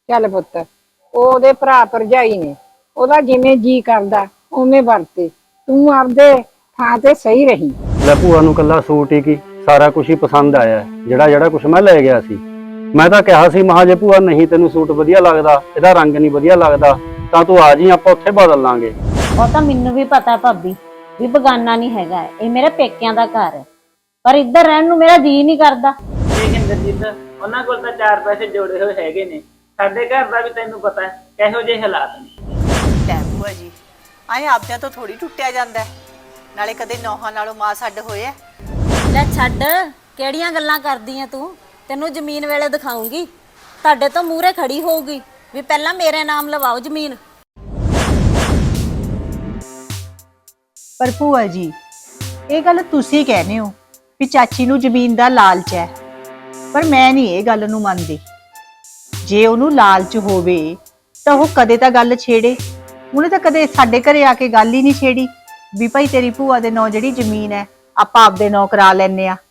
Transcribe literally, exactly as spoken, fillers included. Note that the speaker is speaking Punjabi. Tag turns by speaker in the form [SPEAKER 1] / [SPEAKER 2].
[SPEAKER 1] ਚੱਲ ਪੁੱਤ, ਉਹਦੇ ਭਰਾ ਭਰਜਾਈ ਨੇ, ਉਹਦਾ ਜਿਵੇਂ ਜੀ ਕਰਦਾ ਉਵੇਂ ਵਰਤੇ। ਤੂੰ ਆਪਦੇ ਥਾਂ ਤੇ ਸਹੀ ਰਹੀ।
[SPEAKER 2] ਲੈ ਭੂਆ ਨੂੰ ਕੱਲਾ ਸੂਟ ਹੀ ਕੀ ਸਾਰਾ ਕੁਝ ਹੀ ਪਸੰਦ ਆਇਆ, ਜਿਹੜਾ ਜਿਹੜਾ ਕੁਝ ਮੈਂ ਲੈ ਗਿਆ ਸੀ। ਮੈਂ ਤਾਂ ਕਿਹਾ ਸੀ ਮਹਾ ਜੇ ਭੂਆ ਨਹੀਂ ਤੈਨੂੰ ਸੂਟ ਵਧੀਆ ਲੱਗਦਾ, ਇਹਦਾ ਰੰਗ ਨਹੀਂ ਵਧੀਆ ਲੱਗਦਾ, ਤਾਂ ਤੂੰ ਆ ਜੀ, ਆਪਾਂ ਉੱਥੇ ਬਦਲ ਲਾਂਗੇ।
[SPEAKER 3] ਉਹ ਤਾਂ ਮੈਨੂੰ ਵੀ ਪਤਾ ਭਾਬੀ ਵੀ ਬਗਾਨਾ ਨਹੀਂ ਹੈਗਾ, ਇਹ ਮੇਰੇ ਪੇਕਿਆਂ ਦਾ ਘਰ ਹੈ, ਪਰ ਇੱਧਰ ਰਹਿਣ ਨੂੰ ਮੇਰਾ ਜੀ ਨਹੀਂ ਕਰਦਾ।
[SPEAKER 4] ਦੇਖ ਇੰਦਰਜੀਤ, ਉਹਨਾਂ ਕੋਲ ਤਾਂ ਚਾਰ ਪੈਸੇ ਜੋੜੇ ਹੋਏ ਹੈਗੇ ਨੇ, ਸਾਡੇ ਘਰ ਦਾ ਵੀ ਤੈਨੂੰ ਪਤਾ ਹੈ ਕਿਹੋ ਜਿਹੇ ਹਾਲਾਤ ਨੇ।
[SPEAKER 5] ਲੈ ਭੂਆ ਜੀ, ਆਏ ਆਪਦਿਆਂ ਤੋਂ ਥੋੜੀ ਟੁੱਟਿਆ ਜਾਂਦਾ, ਨਾਲੇ ਕਦੇ ਨੌਹਾਂ ਨਾਲੋਂ ਮਾਂ ਛੱਡ ਹੋਇਆ।
[SPEAKER 3] ਲੈ ਛੱਡ, ਕਿਹੜੀਆਂ ਗੱਲਾਂ ਕਰਦੀ ਆ ਤੂੰ? ਤੈਨੂੰ ਜ਼ਮੀਨ ਵੇਲੇ ਦਿਖਾਉਂਗੀ, ਤੁਹਾਡੇ ਤੋਂ ਮੂਹਰੇ ਖੜੀ ਹੋਊਗੀ ਵੀ ਪਹਿਲਾਂ ਮੇਰੇ ਨਾਮ ਲਵਾਓ ਜ਼ਮੀਨ।
[SPEAKER 5] ਪਰ ਭੂਆ ਜੀ, ਇਹ ਗੱਲ ਤੁਸੀਂ ਕਹਿੰਦੇ ਹੋ ਵੀ ਚਾਚੀ ਨੂੰ ਜ਼ਮੀਨ ਦਾ ਲਾਲਚ ਹੈ, ਪਰ ਮੈਂ ਨਹੀਂ ਇਹ ਗੱਲ ਨੂੰ ਮੰਨਦੀ। ਜੇ ਉਹਨੂੰ ਲਾਲਚ ਹੋਵੇ ਤਾਂ ਉਹ ਕਦੇ ਤਾਂ ਗੱਲ ਛੇੜੇ। ਉਹਨੇ ਤਾਂ ਕਦੇ ਸਾਡੇ ਘਰੇ ਆ ਕੇ ਗੱਲ ਹੀ ਨਹੀਂ ਛੇੜੀ ਵੀ ਭਾਈ ਤੇਰੀ ਭੂਆ ਦੇ ਨਾਂ ਜਿਹੜੀ ਜ਼ਮੀਨ ਹੈ ਆਪਾਂ ਆਪਦੇ ਨਾਂ ਕਰਾ ਲੈਨੇ ਆ।